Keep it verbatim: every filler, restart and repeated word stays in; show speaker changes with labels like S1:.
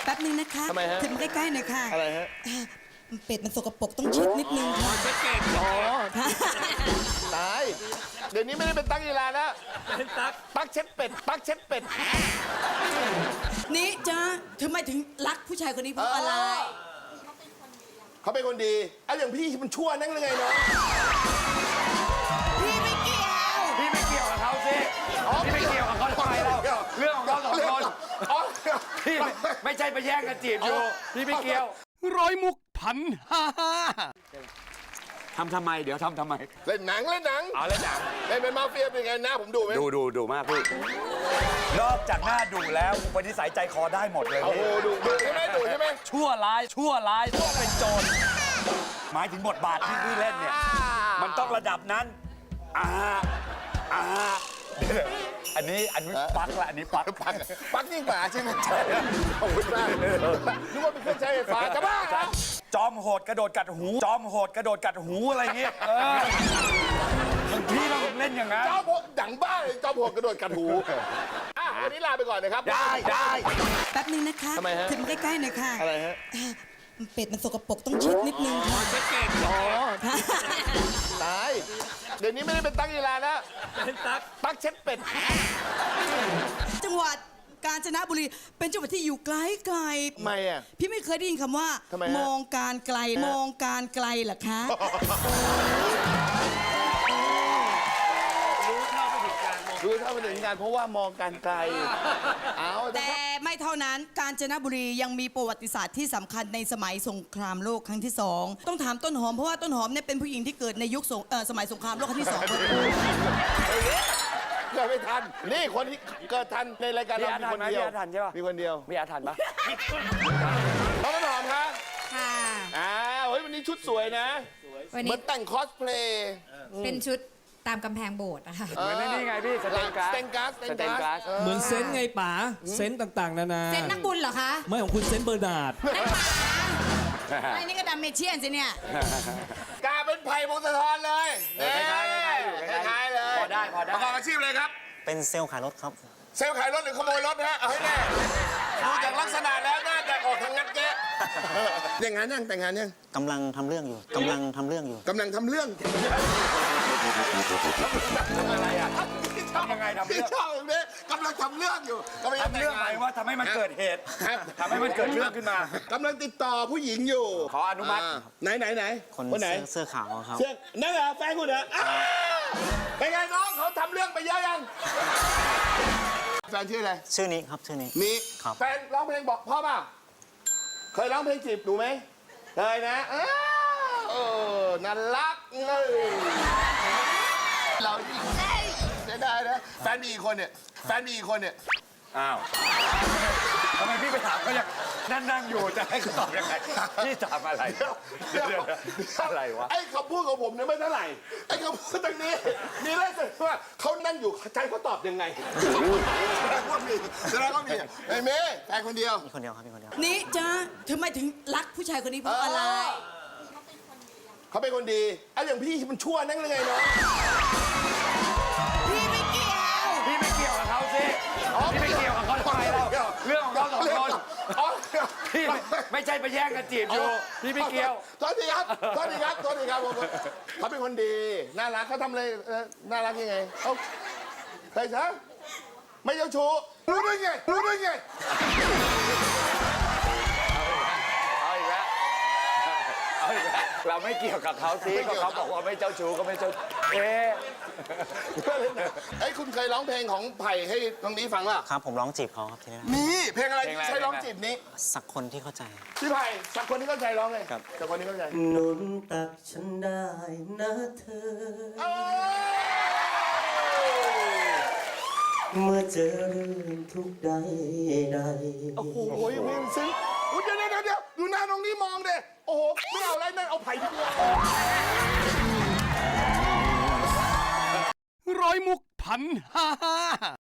S1: แป๊บนึงนะคะ
S2: ทำไมฮะ
S1: ถึงใกล้ๆหน่อยค่ะ
S2: อะไรฮะ
S1: อ่าเป็ดมันสกปรกต้องเช็ดนิดนึงค่ะ
S2: เช็ดเก่งอ๋อตาย เดี๋ยวนี้ไม่ได้เป็นตั๊กยีราแล้วเป็นตั๊กตั๊กเช็ดเป็ด ตั๊กเช็ดเป็ด
S1: นี่จ้าทำไมถึงรักผู้ชายคนนี้เพราะอะไร
S2: เขาเป็นคนดีไอ้อย่างพี่มันชั่วนั่งเลยไงเนาะ
S1: พี่ไม่เกี่ยว
S3: พี่ไม่เกี่ยวกับเขาสิพี่ไม่เกี่ยวกับเขาทำไมเราเรื่องของเขาสองคน
S2: อ๋อ
S3: พี่ไม่ไม่ใช่ไปแย่งกันจีบอยู่พี่ไม่เกี่ยว
S4: ร้อยมุกพันห้าห้า
S3: ทำทำไมเดี๋ยวทำทำไม
S2: เล่นหนังเล่นหนัง
S3: เอาเลยหนัง
S2: เล่นเป็นมาเฟียเป็นไงหน้าผมดูไหม
S3: ดูดูดูมากพี่นอกจากหน้าดูแล้วอุปนิสัยใจคอได้หมดเลย
S2: โอ้โหดูดูใช่ไหมดูใช่ไหม
S3: ชั่วร้ายชั่วร้ายต้องเป็นโจรหมายถึงบทบาทที่พี่เล่นเนี่ยมันต้องระดับนั้นอ่าอ่าอันนี้อันนี้ปักละอันนี้ปัก
S2: ปักปักยิ่งกว่าใช่ไหมใช่ขอบคุณมากนึกว่าเป็นเครื่องใช้ไฟฟ้าจะบ้าเหรอ
S3: จอมโหดกระโดดกัดหู จอมโหดกระโดดกัดหูอะไรเงี้ยเออบางทีเราเล่นอย่างนั้น
S2: จอมโหดดังบ้าเลยจอมโหดกระโดดกัดหูอ่ะวันนี้ลาไปก่อนนะครับ
S3: ได้ได้
S1: แป๊บนึงนะคะ
S2: ทำไมฮะ
S1: ถึงใกล้ๆหน่อยค่ะ
S2: อะไรฮะ
S1: อ่าเป็ดมันสกปรกต้องเช็ดนิดนึงค่ะ
S2: เช็ดเก่งอ๋อตาย เดี๋ยวนี้ไม่ได้เป็นตั๊กยีราแล้วเป็นตั๊กตั๊กเช็ดเป็ด
S1: จังหวัดกาญจนบุรีเป็นจังหวัดที่อยู่ไกลไกล
S2: ทำไมอ่ะ
S1: พี่ไม่เคยได้ยินคำว่า
S2: ทำไมฮะ
S1: มองการไกล มองการไกลเหรอคะ
S2: รู้เท่าไม่ถึงการเพราะว่ามองการไกล เอา
S1: แต่ไม่เท่านั้นกาญจนบุรียังมีประวัติศาสตร์ที่สำคัญในสมัยสงครามโลกครั้งที่สองต้องถามต้นหอมเพราะว่าต้นหอมเนี่ยเป็นผู้หญิงที่เกิดในยุคสงเอ่อสมัยสงครามโลกครั้งที่สองพอดี
S2: เกิดไม่ทัน นี่คนที่เกิดทันในรายการเรามีคนเดียว
S3: มีอาถรรพ์ใช่ปะ
S2: มีคนเดียว
S3: มีอาถรรพ์ปะ
S2: น้องต้นหอมครับ
S5: ค่ะ
S2: อ้าวเฮ้ยวันนี้ชุดสวยนะ
S5: วัน
S2: เหมื
S5: นี้
S2: อนแต่งคอสเพลย์
S5: เป็นชุดตามกำแพงโบสถ์นะคะ
S3: เหมือนนี่ไงพี่สเตนกราส
S2: สเตนกราส
S3: สเตนกราส
S4: เหมือนเซนต์ไงป๋าเซนต์ต่างๆ นานา
S5: เซ็นนักบุญเหรอคะ
S4: ไม่ของคุณเซนต์เบอร์นาร์ด
S1: ไอ้นี่ก็ดัมเมเชียนสิเนี่ย
S2: กาเป็นไผ่พงศธรเลย
S3: คล้ายๆอยู่
S2: คล้ายๆเลย
S3: พอได้พอได้
S2: ประกอบอาชีพเลยครับ
S6: เป็นเซลล์ขายรถครับ
S2: เซลล์ขายรถหรือขโมยรถฮะ เอาให้แน่ดูจากลักษณะแล้วน่าจะออกทางงัดแยะแต่งงานยังแต่งงานยัง
S6: กำลังทำเรื่องอยู่ กำลังทำเรื่องอยู่
S2: กำลังทำเรื่อง
S3: ทำอะไรอ่ะทำยังไงทำ
S2: พี่
S3: เรื่อง
S2: ชอบแบบนี้กำลังทำเรื่องอยู่กำลังจะ
S3: ทำเรื่องหมายว่าทำให้มันเกิดเหตุ
S2: ครับ
S3: ทำให้มันเกิดเรื่องขึ้นมา
S2: กำลังติดต่อผู้หญิงอยู่
S3: ขออนุมัติ
S2: าไหนไหนไหน
S6: คน
S2: คนไหน
S6: เสื้อเสื้อขาวครับ
S2: เชื่อนั่นเหรอแฟนคุณเหรออ้าวเป็นไงน้องเขาทำเรื่องไปเยอะยังแฟนชื่ออะไร
S6: ชื่อนี้ครับ ชื่อนี้
S2: มี
S6: ครับ
S2: แฟนร้องเพลงบอกพ่อเปล่าเคยร้องเพลงจีบหนูไหมเคยนะอ้าวเออน่ารักเลยเราอีกเอ้ยเสียดายนะแฟนมีอีกคนเนี่ยแฟนมีอีกคนเนี่ย
S3: อ้าวทำไมพี่ไปถามเขาอย่างนั่งนั่งอยู่จะให้เขาตอบยังไงพี่ถามอะไร
S2: เดี๋ยวเดี๋ยว
S3: อะไรวะ
S2: ไอ้คำพูดของผมเนี่ยไม่เท่าไหร่ไอ้คำพูดตรงนี้มีเรื่องสึกว่าเขานั่งอยู่ใจเขาตอบยังไงแสดงว่ามีแสดงว่ามีไอ้เมย์แฟนคนเดียว
S6: มีคนเดียวครับ มีคนเดียว
S1: นี่จ้าทำไมถึงรักผู้ชายคนนี้เพราะอะไร
S2: เขาเป็นคนดีไอ้อย่างพี่มันชั่วนั่งเลยไงเนาะ
S1: พี่ไม่เกี่ยว
S3: พี่ไม่เกี่ยวกับเขาสิพี่ไม่เกี่ยวกับเขาทำไมเราเรื่องของเขาสองคน
S2: อ๋อ
S3: พี่ไม่ไม่ใช่ไปแย่งกันจีบอยู่พี่ไม่เกี่ยว
S2: โทษทีครับโทษทีครับโทษทีครับผมเขาเป็นคนดีน่ารักเขาทำอะไรเอ่อน่ารักยังไงเขาใครซะไม่เจ้าชู้รู้ได้ไงรู้ได้ไง
S3: เอาอีกแล้วเอาอีกแล้วเราไม่เกี่ยวกับเขาสิก็เขาบอกว่าไม่เจ้าชู้ก็ไม่เจ้าเอ๊ะ
S2: ไอ้ยคุณเคยร้องเพลงของไผ่ให้ตรงนี้ฟังป่ะ
S6: ครับ ผมร้องจีบเขาครับทีนี้
S2: มีเพลงอะไรที่ใช้ร้องจีบนี้
S6: สักคนที่เข้าใจ
S2: พี่ไผ่สักคนที่เข้าใจร้องเลย
S6: ครับ
S2: สักคนที่เข้าใจ
S7: หนุนตักฉันได้นะเธอ
S2: เอ้ย
S7: เมื่อเจอเรื่องทุกข์ใดใด
S2: โอ้โหเพลงซึ้งอุ๊ยเดี๋ยวเดี๋ยวเดี๋ยวดูหน้าน้องนี่มองเด้โอ้โหไม่เอาอะไรนั่นเอาไผ่ดีกว่า
S4: ร้อยมุกพันห้าห้า